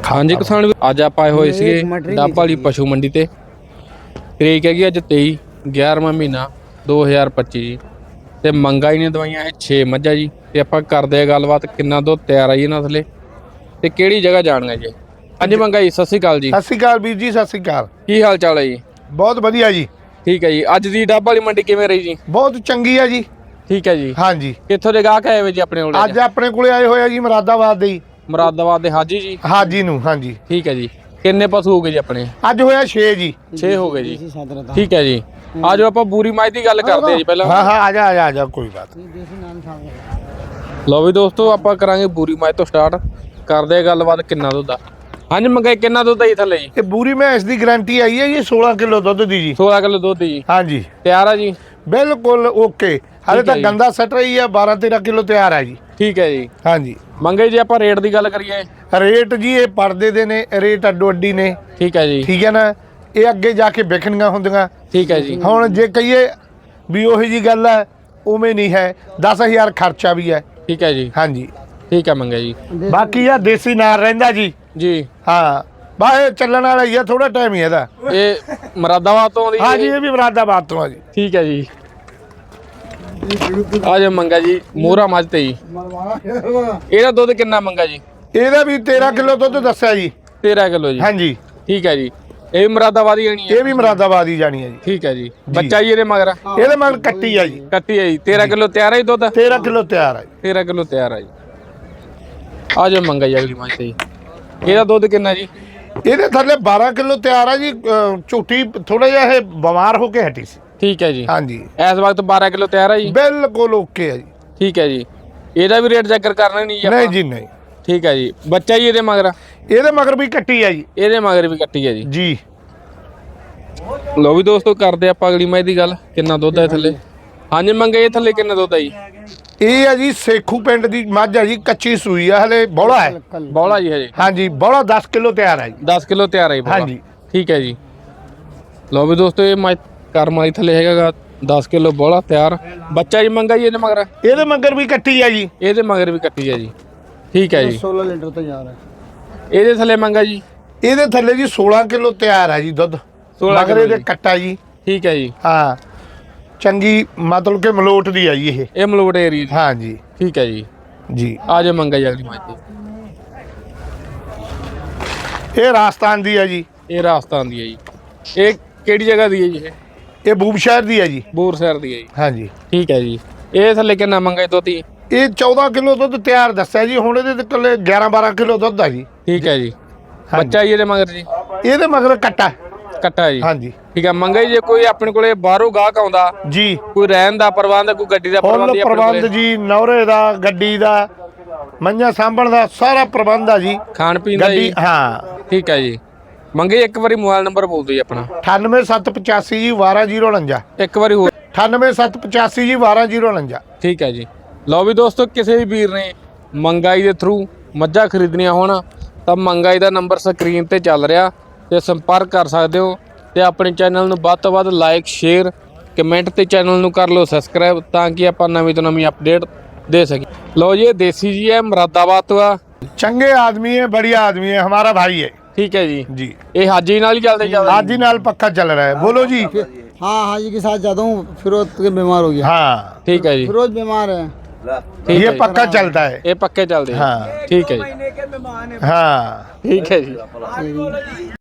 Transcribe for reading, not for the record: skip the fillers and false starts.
हाँ जी किसान भी अज आप आए हुए सी डब वाली पशु मंडी ते तरीक हैगी अज 23/11वां महीना 2025 जी ते मंगा ही ने दवाइयां है 6 मझां जी ते आपां करदे गलबात किन्ना दुध तैयार आई इन्हां थले ते किहड़ी जगह जाणगे जी। हाँ जी मंगा जी सत श्री अकाल जी। सत श्री अकाल वीर जी, सत श्री अकाल। की हाल चाल है जी? बहुत वधिया जी। ठीक है जी। अज दी डब वाली मंडी किवें रही जी? बहुत चंगी है जी। ठीक है जी। हाँ जी। कित्थों दे गाहक आए हुए जी अपने कोल? अज अपने कोले आए हुए जी मुरादाबाद दे। मुरादाबाद दे हाजी जी। हाजी नूं। हाँ जी। ठीक है जी। किन्ने पशु हो गए जी अपने? अज होया 6 जी। 6 हो गए जी। ठीक है जी। आज आप बूरी माई की गल करते हैं जी पहला। हाँ हाँ आजा आजा आजा कोई बात। लो भी दोस्तों आप करांगे बूरी माई तो स्टार्ट करते गलबात किन्ना दुध आ। हाँ जी मंगाई किन्ना दुध आई थले जी? ये बूरी भैंस की गारंटी आई है जी 16 किलो दुध दी जी। 16 किलो दुध जी। हाँ जी तैयार है जी? बिल्कुल ओके। हाले तक गंदा सट रही है 12-13 किलो तैयार है जी। ठीक है जी। हाँ जी मंगाई जी आप रेट की गल करिए। रेट जी ये पर्दे दे ने रेट अड्डो अड्डी ने। ठीक है जी। ठीक है ना, ये अगे जाके विकणियां होंदियां। ठीक है जी। हुण जे कहिए भी ओही जी गल है उवें नहीं है, 10,000 खर्चा भी है। ठीक है जी। हाँ जी ठीक है मंगा जी। बाकी आ देसी नार रहिंदा जी। जी हाँ बस ये चलण वाला ही है, थोड़ा टाइम ही है। ये मुरादाबाद तो आउंदी? हाँ जी ये भी मुरादाबाद तो है जी। ठीक है जी। आज मंगा जी मोहरा मझ ते जी ਇਹਦਾ ਦੁੱਧ ਕਿੰਨਾ ਮੰਗਾ ਜੀ? ਇਹਦਾ ਵੀ 13 किलो ਦੁੱਧ ਦੱਸਿਆ ਜੀ। 13 ਕਿਲੋ ਜੀ। हाँ जी ठीक है जी। ਇਹ ਮੁਰਾਦਾਬਾਦੀ ਆਣੀ ਹੈ? ਇਹ ਵੀ ਮੁਰਾਦਾਬਾਦ ਹੀ ਜਾਣੀ ਹੈ ਜੀ। ਠੀਕ ਹੈ ਜੀ। ਬੱਚਾ ਜੀ ਇਹਦੇ ਮਗਰ? ਇਹਦੇ ਮਗਰ ਕੱਟੀ ਆ ਜੀ। ਕੱਟੀ ਹੈ ਜੀ। 13 ਕਿਲੋ ਤਿਆਰ ਹੈ ਜੀ ਦੁੱਧ? 13 किलो ਤਿਆਰ ਹੈ ਜੀ। 13 ਕਿਲੋ ਤਿਆਰ ਹੈ ਜੀ। ਆ ਜਾ ਮੰਗਾ ਜੀ ਅਗਲੀ ਮੱਝ ਤੇ ਜੀ। ਇਹਦਾ ਦੁੱਧ ਕਿੰਨਾ ਜੀ? ਇਹਦੇ ਥੱਲੇ 12 किलो ਤਿਆਰ ਹੈ ਜੀ। ਝੂਟੀ ਥੋੜਾ ਜਿਹਾ ਇਹ ਬਿਮਾਰ ਹੋ ਕੇ ਹਟੀ ਸੀ। ਠੀਕ ਹੈ ਜੀ। हाँ जी ਇਸ ਵਕਤ 12 ਕਿਲੋ ਤਿਆਰ ਹੈ ਜੀ? ਬਿਲਕੁਲ ਓਕੇ ਹੈ ਜੀ। ਠੀਕ ਹੈ ਜੀ। ਇਹਦਾ ਵੀ ਰੇਟ ਜ਼ਿਕਰ ਕਰਨਾ ਨਹੀਂ ਜੀ ਆਪਾਂ? ਨਹੀਂ ਜੀ ਨਹੀਂ। ਠੀਕ ਹੈ ਜੀ। ਬੱਚਾ ਜੀ ਇਹਦੇ ਮਗਰ? ਇਹਦੇ ਮਗਰ ਵੀ ਕੱਟੀ ਹੈ ਜੀ। ਇਹਦੇ ਮਗਰ ਵੀ ਕੱਟੀ ਹੈ ਜੀ। ਜੀ ਲੋ ਵੀ ਦੋਸਤੋ ਕਰਦੇ ਆਪਾਂ ਅਗਲੀ ਮੱਝ ਦੀ ਗੱਲ। ਕਿੰਨਾ ਦੁੱਧ ਹੈ ਥੱਲੇ? ਹਾਂਜੀ ਮੰਗੇ ਇਹ ਥੱਲੇ ਕਿੰਨਾ ਦੁੱਧ ਹੈ ਜੀ? ਇਹ ਹੈ ਜੀ ਸੇਖੂ ਪਿੰਡ ਦੀ ਮੱਝ ਹੈ ਜੀ, ਕੱਚੀ ਸੂਈ ਆ, ਹਲੇ ਬੋਲਾ ਹੈ। ਬੌਲਾ ਜੀ ਹਜੇ? हाँ जी ਬੋਲਾ 10 किलो ਤਿਆਰ ਹੈ ਜੀ। 10 ਕਿਲੋ ਤਿਆਰ ਹੈ ਜੀ ਬੌਲਾ। ਹਾਂਜੀ। ਠੀਕ ਹੈ ਜੀ। ਲੋ ਵੀ ਦੋਸਤੋ ਇਹ ਮੱਝ ਕਰਮ ਵਾਲੀ ਥੱਲੇ ਹੈਗਾ 10 ਕਿਲੋ ਬੌਲਾ ਤਿਆਰ। ਬੱਚਾ ਜੀ ਮੰਗਾ ਜੀ ਇਹਦੇ ਮਗਰ? ਇਹਦੇ ਮਗਰ ਵੀ ਕੱਟੀ ਹੈ ਜੀ। ਇਹਦੇ ਮਗਰ ਵੀ ਕੱਟੀ ਹੈ ਜੀ। ਠੀਕ ਹੈ ਜੀ। 16 ਲੀਟਰ ਤਿਆਰ ਹੈ। ਇਹਦੇ ਥੱਲੇ ਮੰਗਾ ਜੀ? ਇਹਦੇ ਥੱਲੇ ਜੀ 16 किलो ਤਿਆਰ ਹੈ ਜੀ ਦੁੱਧ। 16 ਮਗਰ ਇਹਦੇ ਕੱਟਾ ਜੀ। ਠੀਕ ਹੈ ਜੀ। ਹਾਂ ਚੰਗੀ ਮਤਲਬ ਕਿ ਮਲੋਟ ਦੀ ਹੈ ਜੀ ਇਹ। ਇਹ ਮਲੋਟ ਏਰੀਆ ਜੀ। ਹਾਂ ਜੀ ਠੀਕ ਹੈ ਜੀ। ਜੀ ਆ ਜਾ ਮੰਗਾ ਜੀ ਅਗਲੀ ਮੱਝ ਤੇ। ਇਹ ਰਾਜਸਥਾਨ ਦੀ ਹੈ ਜੀ। ਇਹ ਰਾਜਸਥਾਨ ਦੀ ਹੈ ਜੀ। ਇਹ ਕਿਹੜੀ ਜਗ੍ਹਾ ਦੀ ਹੈ ਜੀ? ਇਹ ਬੂਬ ਸ਼ਹਿਰ ਦੀ ਹੈ ਜੀ। ਬੂਰ ਸ਼ਹਿਰ ਦੀ ਹੈ ਜੀ। ਹਾਂ ਜੀ ਠੀਕ ਹੈ ਜੀ। ਇਹ ਥੱਲੇ ਕਿੰਨਾ ਮੰਗਾ ਜੀ ਦੁੱਧ ਜੀ? ਇਹ 14 किलो ਦੁੱਧ ਤਿਆਰ ਦੱਸਿਆ ਜੀ। ਹੁਣ ਇਹਦੇ ਕੋਲੇ 11-12 किलो ਦੁੱਧ ਆ ਜੀ। ਠੀਕ ਹੈ ਜੀ। ਬੱਚਾ ਜੀ ਇਹਦੇ ਮਗਰ ਜੀ? ਇਹਦੇ ਮਗਰ ਕੱਟਾ। ਕੱਟਾ ਜੀ। ਹਾਂ ਜੀ ਠੀਕ ਹੈ ਮੰਗਾ ਜੀ ਜੇ ਕੋਈ ਆਪਣੇ ਕੋਲੇ ਬਾਹਰੋਂ ਗਾਹਕ ਆਉਂਦਾ ਜੀ ਕੋਈ ਰਹਿਣ ਦਾ ਪ੍ਰਬੰਧ ਕੋਈ ਗੱਡੀ ਦਾ ਪ੍ਰਬੰਧ ਫੁੱਲ ਜੀ ਆਪਣੇ ਪ੍ਰਬੰਧ ਕੋਲੇ? ਜੀ, ਨੌਰੇ ਦਾ, ਗੱਡੀ ਦਾ, ਮੰਝਾਂ ਸਾਂਭਣ ਦਾ ਸਾਰਾ ਪ੍ਰਬੰਧ ਆ ਜੀ। ਖਾਣ ਪੀਣ ਦਾ ਗੱਡੀ ਜੀ? ਹਾਂ। ਠੀਕ ਹੈ ਜੀ। ਮੰਗੇ ਇੱਕ ਵਾਰੀ ਮੋਬਾਈਲ ਨੰਬਰ ਬੋਲ ਦਿਓ ਜੀ ਆਪਣਾ। 9875 ਜੀ 12049। ਇੱਕ ਵਾਰੀ ਹੋਰ। 9875 ਜੀ 12049। ਠੀਕ ਹੈ ਜੀ। ਲਓ ਵੀ ਦੋਸਤੋ ਕਿਸੇ ਵੀ ਵੀਰ ਨੇ ਮੰਗਾਈ ਦੇ ਥਰੂ ਮੱਝਾਂ ਖਰੀਦਣੀਆਂ ਹੋਣ ਤਾਂ ਮੰਗਾਈ ਦਾ ਨੰਬਰ ਸਕਰੀਨ ਤੇ ਚੱਲ ਰਿਹਾ ਤੇ ਸੰਪਰਕ ਕਰ ਸਕਦੇ ਹੋ ਤੇ ਆਪਣੇ ਚੈਨਲ ਨੂੰ ਵੱਧ ਤੋਂ ਵੱਧ ਲਾਈਕ ਸ਼ੇਅਰ ਕਮੈਂਟ ਤੇ ਚੈਨਲ ਨੂੰ ਕਰ ਲਓ ਸਬਸਕ੍ਰਾਈਬ ਤਾਂ ਕਿ ਆਪਾਂ ਨਵੀਂ ਤੋਂ ਨਵੀਂ ਅਪਡੇਟ ਦੇ ਸਕੀਏ। ਲਓ ਜੀ ਇਹ ਦੇਸੀ ਜੀ ਹੈ ਮੁਰਾਦਾਬਾਦ ਤੋਂ ਆ। चंगे आदमी है, बढ़िया आदमी है, हमारा भाई है ठीक है जी। जी ये हाजी नाल ही चलते हाजी नाल पक्का चल रहा है। बोलो जी। हाँ हाजी के साथ जाता हूँ। फिरोज के बीमार हो गया। हाँ ठीक है जी। फिरोज बीमार है। ठीक ये है जी। पक्का चलता है। ये पक्के चलते हैं। हाँ ठीक है जी। हाँ ठीक है जी।